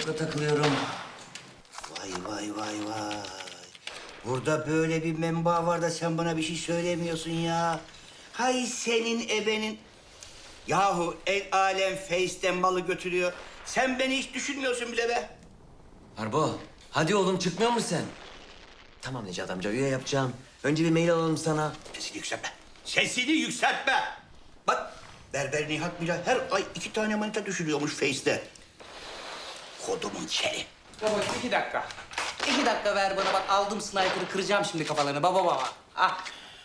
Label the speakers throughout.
Speaker 1: Facebook'a takılıyorum.
Speaker 2: Vay vay vay vay. Burada böyle bir menba var da sen bana bir şey söylemiyorsun ya. Hay senin ebenin. Yahu el alem Face'ten malı götürüyor. Sen beni hiç düşünmüyorsun bile be.
Speaker 1: Arbo, hadi oğlum çıkmıyor musun sen? Tamam Necat amca, üye yapacağım. Önce bir mail alalım sana.
Speaker 2: Sesini yükseltme. Sesini yükseltme. Bak Berber Nihat bile her ay 2 tane manita düşürüyormuş Face'te. Kodumun çeri.
Speaker 3: Baba 2 dakika. 2 dakika ver bana, bak aldım sniper'ı, kıracağım şimdi kafalarını baba. Ah.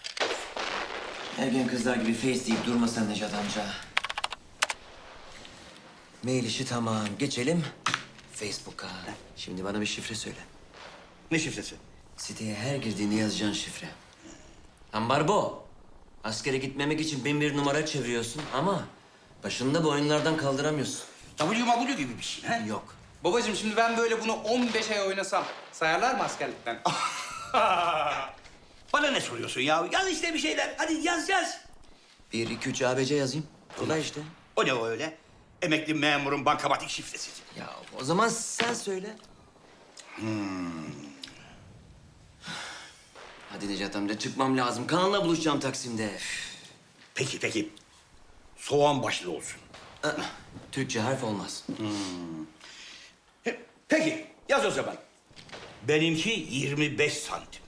Speaker 1: Ergen kızlar gibi face deyip durma sen Necat amca. Mail işi tamam. Geçelim Facebook'a. Şimdi bana bir şifre söyle.
Speaker 2: Ne şifresi?
Speaker 1: Siteye her girdiğinde yazacağın şifre. Ambarbo. Askere gitmemek için bin bir numara çeviriyorsun ama başında bu oyunlardan kaldıramıyorsun.
Speaker 2: WW gibi bir şey ha?
Speaker 1: Yok.
Speaker 3: Babacığım şimdi ben böyle bunu 15 ay oynasam sayarlar mı askerlikten?
Speaker 2: Bana ne soruyorsun ya? Yaz işte bir şeyler. Hadi yaz.
Speaker 1: 1, 2, 3 ABC yazayım. Kolay işte.
Speaker 2: O ne o öyle? Emekli memurun bankamatik şifresi.
Speaker 1: Ya o zaman sen söyle. Hadi Necat amca çıkmam lazım. Kaan'la buluşacağım Taksim'de.
Speaker 2: Peki. Soğan başlı olsun.
Speaker 1: Türkçe harf olmaz.
Speaker 2: Peki, yaz o zaman. Benimki 25 santim.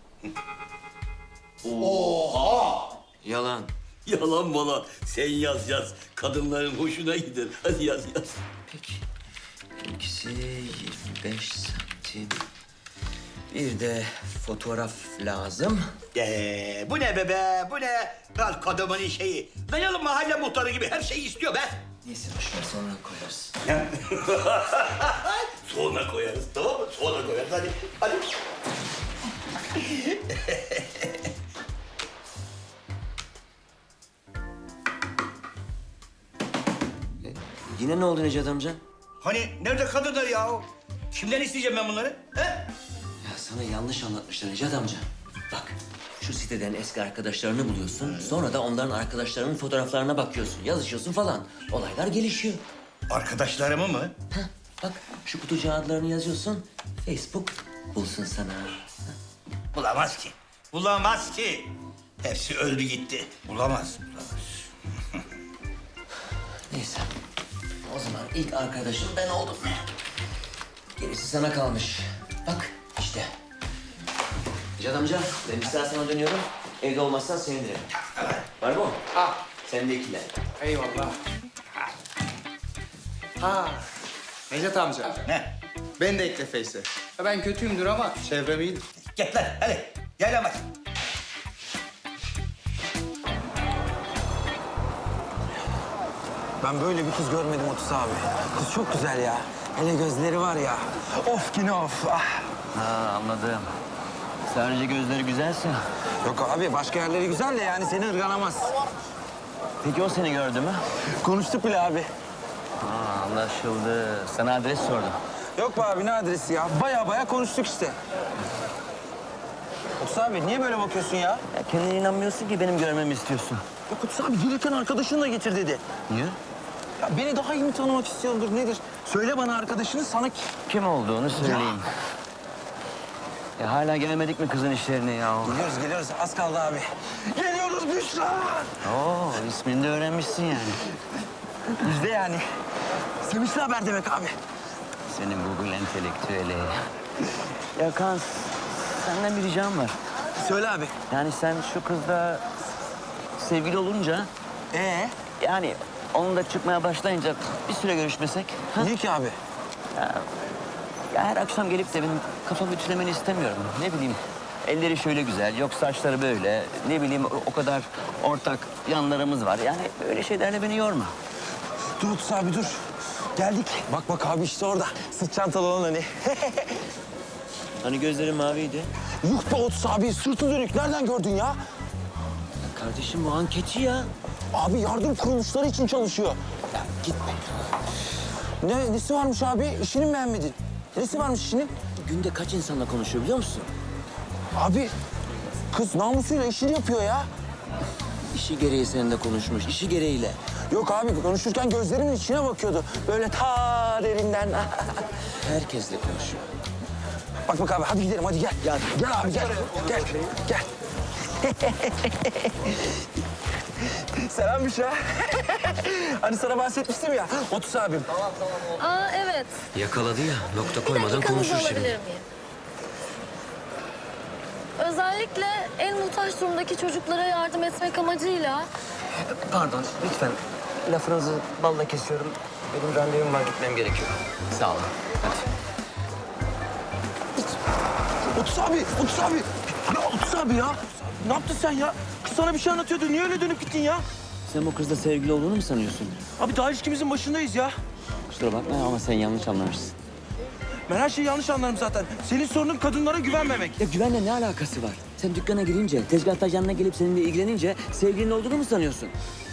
Speaker 1: Yalan.
Speaker 2: Yalan malan. Sen yaz. Kadınların hoşuna gider. Hadi yaz.
Speaker 1: Peki. Benimkisi 25 santim. Bir de fotoğraf lazım.
Speaker 2: Bu ne be? Bu ne? Lan kadının şeyi. Dayalı mahalle muhtarı gibi her şeyi istiyor be.
Speaker 1: Neyse boş ver sonra koyarız.
Speaker 2: Sonra koyarız, tamam mı? Sonra koyarız. Hadi.
Speaker 1: Yine ne oldu Necat amca?
Speaker 2: Hani nerede kadınlar ya? Kimden isteyeceğim ben bunları? He?
Speaker 1: Ya sana yanlış anlatmışlar Necat amca. Bak şu siteden eski arkadaşlarını buluyorsun. Sonra da onların arkadaşlarının fotoğraflarına bakıyorsun. Yazışıyorsun falan. Olaylar gelişiyor.
Speaker 2: Arkadaşlarımı mı?
Speaker 1: Heh, bak şu kutucuğa adlarını yazıyorsun. Facebook bulsun sana.
Speaker 2: Bulamaz ki. Hepsi öldü gitti. Bulamaz.
Speaker 1: Neyse. O zaman ilk arkadaşım ben oldum. Gerisi sana kalmış. Bak işte. Necat amca ben bir saat sonra dönüyorum. Evde olmazsan sevinirim. Var mı?
Speaker 3: Ah,
Speaker 1: Sen de ikiler.
Speaker 3: eyvallah. Ha. Necat amca,
Speaker 2: Ne?
Speaker 3: beni de ekle Face'e. Ya ben kötüyümdür ama çevrem iyidir.
Speaker 2: Gel lan hadi. Yaylamaz.
Speaker 4: Ben böyle bir kız görmedim Otis abi. Kız çok güzel ya. Hele gözleri var ya. Of yine of. Ah.
Speaker 1: Ha anladım. Sadece gözleri güzelse.
Speaker 4: Yok abi başka yerleri güzel de yani seni ırganamaz.
Speaker 1: Peki o seni gördü mü?
Speaker 4: Konuştuk bile abi.
Speaker 1: Ha anlaşıldı. Sana adres sordum.
Speaker 4: Yok be abi ne adresi ya? Baya konuştuk işte. Otis abi niye böyle bakıyorsun ya?
Speaker 1: Ya kendine inanmıyorsun ki benim görmemi istiyorsun.
Speaker 4: Yok Otis abi gelirken arkadaşını da getir dedi.
Speaker 1: Niye?
Speaker 4: Ya beni daha iyi mi tanımak istiyordur nedir? Söyle bana arkadaşını sana
Speaker 1: Kim olduğunu söyleyeyim. Ya hala gelmedik mi kızın işlerine ya?
Speaker 4: Geliyoruz az kaldı abi. Geliyoruz Büşra.
Speaker 1: Oo ismini de öğrenmişsin yani.
Speaker 4: Bizde yani. Sevinçli haber demek abi.
Speaker 1: Senin Google entelektüeli. Ya Kaan, senden bir ricam var.
Speaker 4: Söyle abi.
Speaker 1: Yani sen şu kızla sevgili olunca... Yani onunla çıkmaya başlayınca bir süre görüşmesek... Ha?
Speaker 4: Niye ki abi?
Speaker 1: Ya her akşam gelip de benim kafamı ütülemeni istemiyorum. Ne bileyim, elleri şöyle güzel, yok saçları böyle. Ne bileyim, o kadar ortak yanlarımız var. Yani öyle şeylerle beni yorma.
Speaker 4: Dur Otis abi dur. Geldik. Bak abi işte orada. Sırt çantalı olan hani.
Speaker 1: Hani gözleri maviydi.
Speaker 4: Yuh be Otis abi sırtı dönük. Nereden gördün ya?
Speaker 1: Kardeşim bu anketçi ya.
Speaker 4: Abi yardım kuruluşları için çalışıyor. Ya gitme. Nesi varmış abi? İşini mi beğenmedin? Nesi varmış işinin?
Speaker 1: Günde kaç insanla konuşuyor biliyor musun?
Speaker 4: Abi kız namusuyla işini yapıyor ya.
Speaker 1: İşi gereği seninle konuşmuş, işi gereğiyle.
Speaker 4: Yok abi konuşurken gözlerimin içine bakıyordu. Böyle ta daha derinden.
Speaker 1: Herkesle konuşuyor.
Speaker 4: Bak abi hadi gidelim hadi gel. Gel abi gel. Gel. Selam Büşra. Hani sana bahsetmiştim ya. Otus abim.
Speaker 5: Aa evet.
Speaker 1: Yakaladı ya. Nokta
Speaker 5: Bir
Speaker 1: koymadan
Speaker 5: dakikanızı
Speaker 1: konuşur
Speaker 5: alabilir
Speaker 1: şimdi.
Speaker 5: miyim? Özellikle en muhtaç durumdaki çocuklara yardım etmek amacıyla
Speaker 1: Pardon, lütfen. Lafınızı balla kesiyorum. Benim randevum var, gitmem gerekiyor. Sağ olun. Hadi.
Speaker 4: Otus abi. Ya Otus abi ya. Ne yaptın sen ya? Kız sana bir şey anlatıyordu. Niye öyle dönüp gittin ya?
Speaker 1: Sen bu kızla sevgili olduğunu mu sanıyorsun?
Speaker 4: Abi daha ilişkimizin başındayız ya.
Speaker 1: Kusura bakma ama sen yanlış anlamışsın.
Speaker 4: Ben her şeyi yanlış anlarım zaten. Senin sorunun kadınlara güvenmemek.
Speaker 1: Ya güvenle ne alakası var? Sen dükkana girince, tezgahtar yanına gelip seninle ilgilenince sevgilinin olduğunu mu sanıyorsun?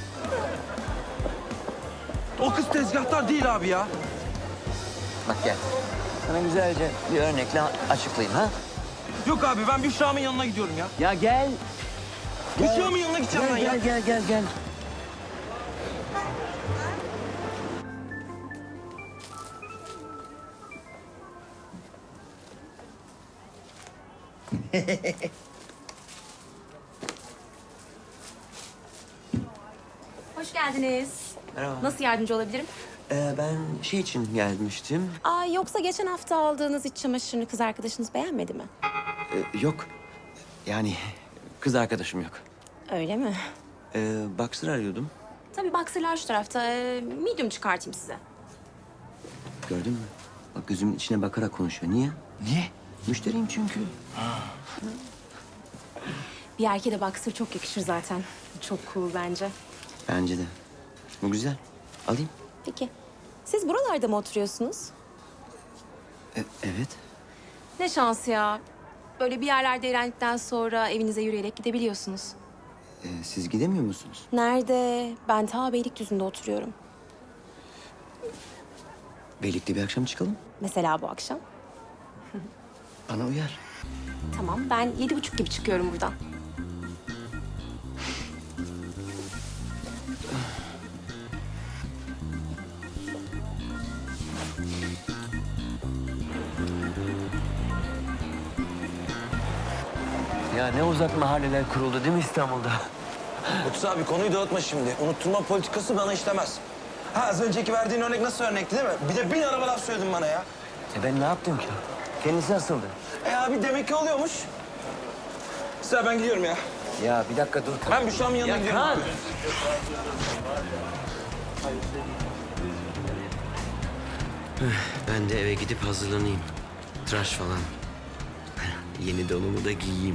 Speaker 4: O kız tezgahtar değil abi ya.
Speaker 1: Bak gel. Sana güzelce bir örnekle açıklayayım ha?
Speaker 4: Yok abi ben Büşra'mın yanına gidiyorum ya.
Speaker 1: Ya gel.
Speaker 4: Büşra'mın yanına gideceğim ben ya.
Speaker 1: Gel.
Speaker 6: Hoş geldiniz.
Speaker 1: Merhaba.
Speaker 6: Nasıl yardımcı olabilirim?
Speaker 1: Ben şey için gelmiştim.
Speaker 6: Aa, yoksa geçen hafta aldığınız iç çamaşırını kız arkadaşınız beğenmedi mi?
Speaker 1: Yok. Yani kız arkadaşım yok.
Speaker 6: Öyle mi?
Speaker 1: Boxer arıyordum.
Speaker 6: Tabii boxer'lar şu tarafta. Medium çıkartayım size.
Speaker 1: Gördün mü? Bak gözümün içine bakarak konuşuyor. Niye?
Speaker 4: Niye?
Speaker 1: Müşteriyim çünkü.
Speaker 6: Bir erkeğe de boxer çok yakışır zaten. Çok cool bence.
Speaker 1: Bence de. Bu güzel. Alayım.
Speaker 6: Peki. Siz buralarda mı oturuyorsunuz?
Speaker 1: Evet.
Speaker 6: Ne şans ya. Böyle bir yerlerde eğlendikten sonra evinize yürüyerek gidebiliyorsunuz.
Speaker 1: Siz gidemiyor musunuz?
Speaker 6: Nerede? Ben ta Beylikdüzü'nde oturuyorum.
Speaker 1: Birlikte bir akşam çıkalım.
Speaker 6: Mesela bu akşam.
Speaker 1: Bana uyar.
Speaker 6: Tamam, ben 7:30 gibi çıkıyorum buradan.
Speaker 1: Ya ne uzak mahalleler kuruldu değil mi İstanbul'da?
Speaker 4: Otus abi konuyu dağıtma şimdi. Unutturma politikası bana işlemez. Ha az önceki verdiğin örnek nasıl örnekti değil mi? Bir de 1000 araba laf söyledin bana ya.
Speaker 1: Ben ne yaptım ki? Kendisi asıldı.
Speaker 4: Abi demek ki oluyormuş. Sıra ben gidiyorum ya.
Speaker 1: Ya bir dakika dur.
Speaker 4: Ben Büşra'mın yanına gidiyorum.
Speaker 1: Kaan!
Speaker 4: abi.
Speaker 1: Ben de eve gidip hazırlanayım. Tıraş falan. Yeni donumu da giyeyim.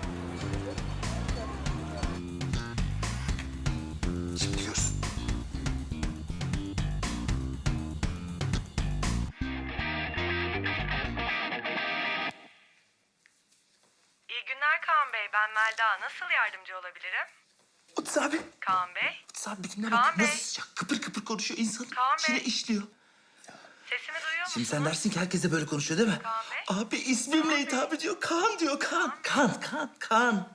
Speaker 4: Şimdi diyorsun.
Speaker 7: İyi günler Kaan Bey. Ben Melda. Nasıl yardımcı olabilirim?
Speaker 4: Otus abi.
Speaker 7: Kaan Bey,
Speaker 4: Otus abi bir dinle
Speaker 7: Kaan
Speaker 4: bak.
Speaker 7: Bey.
Speaker 4: Nasıl sıcak kıpır kıpır konuşuyor. İnsanın
Speaker 7: Kaan
Speaker 4: içine
Speaker 7: Bey.
Speaker 4: işliyor.
Speaker 7: sesimi duyuyor musunuz?
Speaker 4: Şimdi sen dersin ki herkes de böyle konuşuyor değil mi?
Speaker 7: Kaan Bey.
Speaker 4: Abi ismimle hitap ediyor. Kaan diyor. Kaan.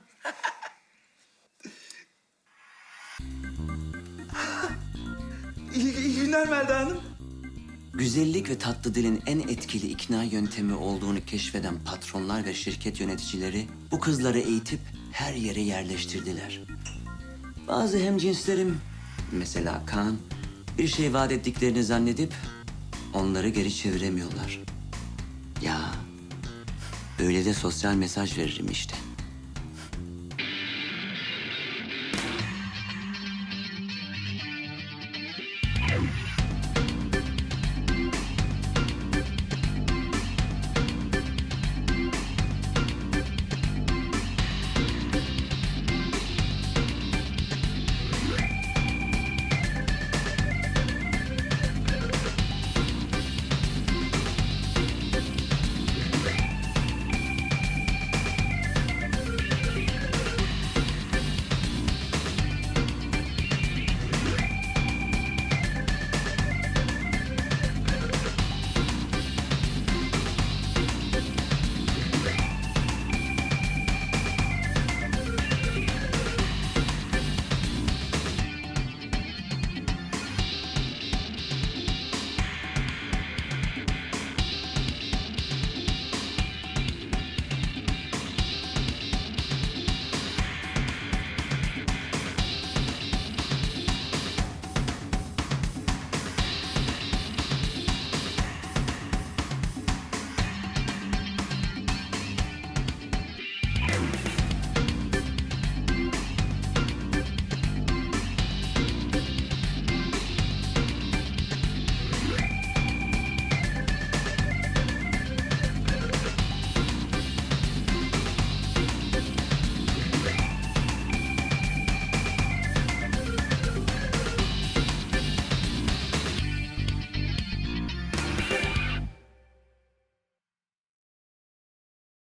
Speaker 4: İyi günler Melda Hanım.
Speaker 1: Güzellik ve tatlı dilin en etkili ikna yöntemi olduğunu keşfeden patronlar ve şirket yöneticileri bu kızları eğitip her yere yerleştirdiler. Bazı hemcinslerim, mesela Kaan, bir şey vaat ettiklerini zannedip onları geri çeviremiyorlar. Ya, öyle de sosyal mesaj veririm işte.